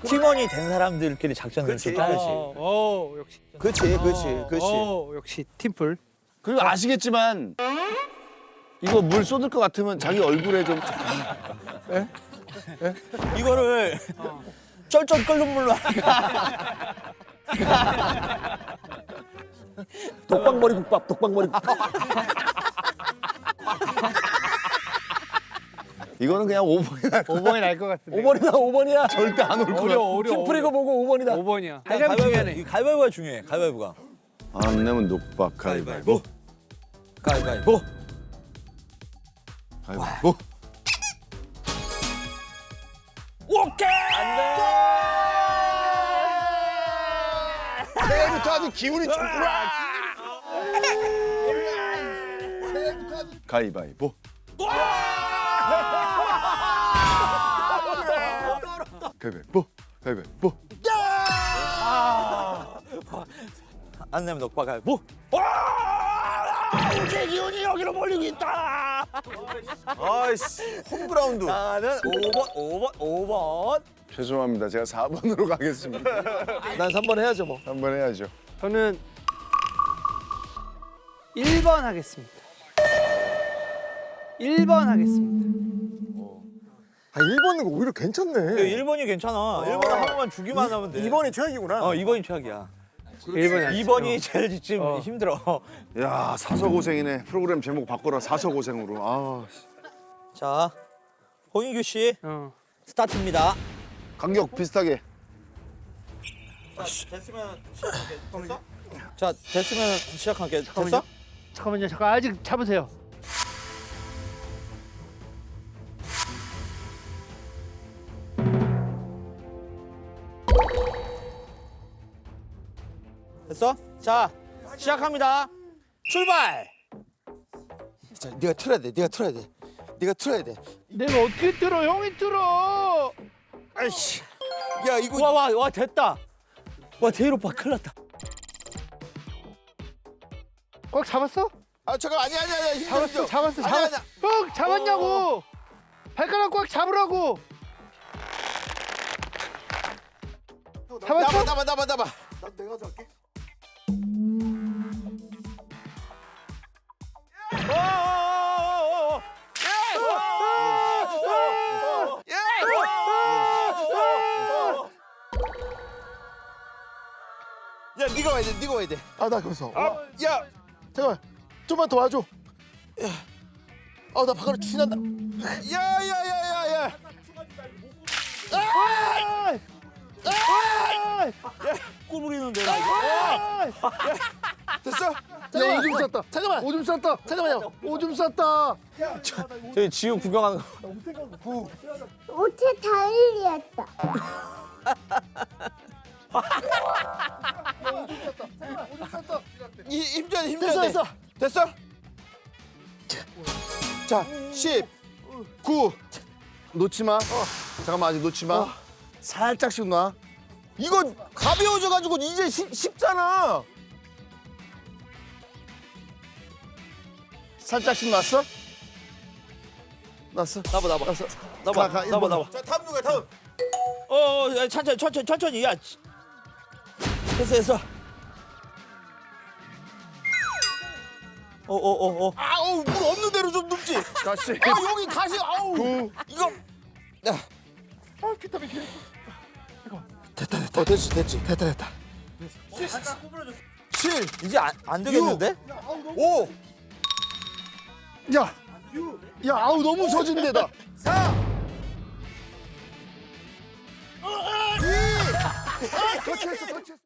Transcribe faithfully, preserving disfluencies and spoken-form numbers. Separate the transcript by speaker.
Speaker 1: 팀원이 된 사람들끼리 작전을 좀 짜야지.
Speaker 2: 어, 어, 역시.
Speaker 3: 그렇지, 그렇지, 그렇지.
Speaker 2: 어, 역시 팀플.
Speaker 4: 그리고 아시겠지만 이거 물 쏟을 것 같으면 자기 얼굴에 좀
Speaker 1: 이거를 쩔쩔 끓는 물로 하니까
Speaker 3: 독박머리 국밥, 독박머리 국밥.
Speaker 4: 이거는 그냥 오 번이나
Speaker 2: 오 번이 날 것 같은데.
Speaker 3: 오 번이다, 오 번이야.
Speaker 4: 절대 안 올 거야.
Speaker 2: 어려워, 어려워.
Speaker 3: 팀 프리고 보고 오 번이다.
Speaker 2: 오 번이야. 가장 중요하네.
Speaker 1: 이 가위바위보가 중요해. 가위바위보가.
Speaker 4: 안 내면 녹박 가위바위보.
Speaker 1: 가위바위보.
Speaker 4: 가위바위보.
Speaker 1: 오케이.
Speaker 4: 새해부터 아주 기운이 좋구나. 가위바위보. 가위바위보. 가위바위보.
Speaker 1: 안 내면 녹박 가위바위보. 와! 제 기운이 여기로 몰리고 있다.
Speaker 3: 아이씨, 홈그라운드.
Speaker 1: 나는 오 번, 오 번, 오 번.
Speaker 4: 죄송합니다. 제가 사 번으로 가겠습니다.
Speaker 3: 난 삼 번 해야죠, 뭐.
Speaker 4: 한 번 해야죠.
Speaker 2: 저는 일 번 하겠습니다. 일 번 하겠습니다.
Speaker 3: 아, 일 번은 오히려 괜찮네.
Speaker 1: 일 번이 괜찮아. 일 번은 한 번만 주기만 하면 돼.
Speaker 3: 이 번이 최악이구나.
Speaker 1: 어, 이 번이 최악이야.
Speaker 2: 일 번이
Speaker 1: 이 번이 제일 지금
Speaker 2: 어.
Speaker 1: 힘들어.
Speaker 4: 야 사서 고생이네. 프로그램 제목 바꿔라. 사서 고생으로. 아
Speaker 1: 자, 홍인규 씨
Speaker 2: 어.
Speaker 1: 스타트입니다.
Speaker 4: 간격 비슷하게.
Speaker 1: 됐으면 시작할게. 됐어? 자, 됐으면 시작할게. 됐어?
Speaker 2: 잠깐만요. 잠깐만요. 잠깐 아직 잡으세요.
Speaker 1: 됐어? 자, 시작합니다. 출발!
Speaker 3: 자, 네가 틀어야 돼. 네가 틀어야 돼. 네가 틀어야 돼.
Speaker 2: 내가 어떻게 들어? 형이 들어.
Speaker 3: 아이씨. 야, 이거
Speaker 1: 와, 와, 와, 됐다. 와, 대일 오빠 큰일 났다.
Speaker 2: 꽉 잡았어?
Speaker 3: 아, 잠깐 아니 아니 아니. 힘들어,
Speaker 2: 잡았어.
Speaker 3: 힘들어.
Speaker 2: 잡았어.
Speaker 3: 아니,
Speaker 2: 잡았어.
Speaker 3: 아니,
Speaker 2: 형 잡았냐고. 발가락 꽉 잡으라고. 잡았어?
Speaker 3: 나봐, 나봐, 나봐, 나봐. 난 내가 잡게. 야, 네가 와야 돼. 네가 와야 돼. 아, 나 거기서. 아, 야, 잠깐만. 좀만 더 와줘. 야, 아, 나 바깥으로 튀난다. 야, 야, 야, 야, 야. 아! 아!
Speaker 1: 꿀 부리는데.
Speaker 3: 됐어? 야, 오줌 쌌다. 잠깐만. 오줌 쌌다. 잠깐만요. 오줌 쌌다.
Speaker 1: 저희 지우 구경하는 거.
Speaker 5: 옷에 다 흘렸다.
Speaker 3: 이 힘줘야 돼. 힘줘야 돼. 됐어. 됐어? 자, 십, 구. 놓지 마. 잠깐만, 아직 놓지 마. 살짝씩 놔. 이거 가벼워져가지고 이제 쉽, 쉽잖아. 살짝씩 놨어? 놨어?
Speaker 1: 나봐, 나봐.
Speaker 3: 놨어.
Speaker 1: 나봐,
Speaker 3: 가, 가,
Speaker 1: 나봐, 나봐.
Speaker 3: 자, 다음 누가 다음?
Speaker 1: 어, 어, 야, 천천히, 천천히, 천천히. 야, 치. 됐어, 됐어. 어, 어, 어, 어.
Speaker 3: 아우, 물 없는 대로 좀 눕지.
Speaker 4: 다시.
Speaker 3: 아, 여기 다시, 아우.
Speaker 4: 구.
Speaker 3: 이거. 야. 아, 비타민 키. 됐다, 됐다. 어, 됐지, 됐지. 됐다, 됐다. 칠,
Speaker 1: 이제 안, 안 되겠는데?
Speaker 3: 오. 야. 야, 아우, 너무 서진대다. 사. 이. 아, 더 쳤어, 더 쳤어.